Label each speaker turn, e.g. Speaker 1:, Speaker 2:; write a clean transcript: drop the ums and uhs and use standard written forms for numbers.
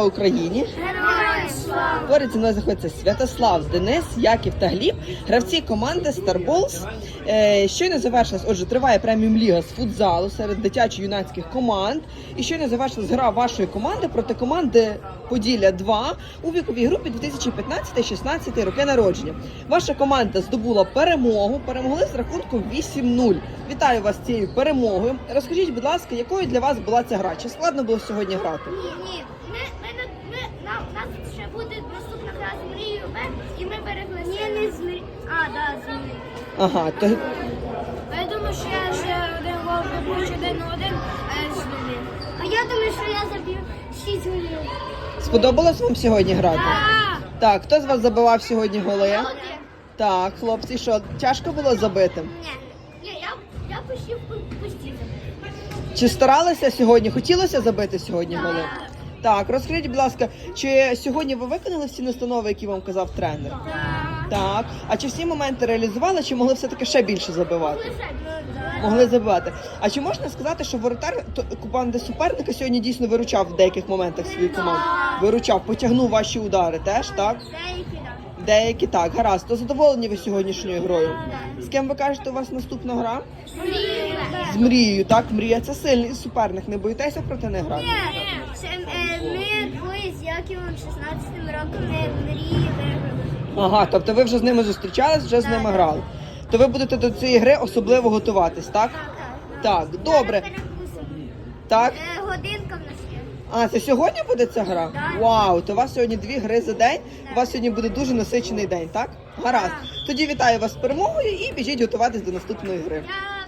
Speaker 1: Слава Україні!
Speaker 2: Героям слава!
Speaker 1: Поряд зі мною знаходиться Святослав, Денис, Яків та Гліб, гравці команди Star Balls. Щойно завершилась, отже, триває преміум-ліга з футзалу серед дитячо-юнацьких команд. І щойно завершилась гра вашої команди проти команди Поділля 2 у віковій групі 2015-16 роки народження. Ваша команда здобула перемогу, перемогли з рахунком 8-0. Вітаю вас з цією перемогою. Розкажіть, будь ласка, якою для вас була ця гра? Чи складно було сьогодні грати?
Speaker 2: Ні. У нас ще буде наступна гра з Мрією Б, і ми перегласили. Ні, не з Мрією. З Мрією.
Speaker 1: Ага, то...
Speaker 2: Я думаю, що я ще один гол пропущу 1-1 з Львів. А я думаю, що я заб'ю 6 голів.
Speaker 1: Сподобалось вам сьогодні грати?
Speaker 2: Так.
Speaker 1: Так, хто з вас забивав сьогодні голи?
Speaker 2: Один.
Speaker 1: Так, хлопці, що, тяжко було забити?
Speaker 2: Ні, я пустив пустити.
Speaker 1: Чи старалися сьогодні? Хотілося забити сьогодні голи? Так, розкажіть, будь ласка, чи сьогодні ви виконали всі настанови, які вам казав тренер? Так. А чи всі моменти реалізували, чи могли все-таки ще більше забивати? Могли забивати. А чи можна сказати, що воротар команди суперника сьогодні дійсно виручав в деяких моментах свою команду? Виручав, потягнув ваші удари теж, так? Деякі так, гаразд. То задоволені ви сьогоднішньою грою? З ким ви кажете, у вас наступна гра? З Мрією, так? Мрія це сильний суперник, не боїтеся проти них грати?
Speaker 2: Ми двоє з Яківом 16-м роком Мрії виграли.
Speaker 1: Ага, тобто ви вже з ними зустрічались, вже з ними грали. То ви будете до цієї гри особливо готуватись, так? Так, добре. Так?
Speaker 2: Годинка в нас є.
Speaker 1: А, це сьогодні буде ця гра? Вау, то у вас сьогодні 2 гри за день, у вас сьогодні буде дуже насичений день, так? Гаразд. Тоді вітаю вас з перемогою і біжіть готуватись до наступної гри.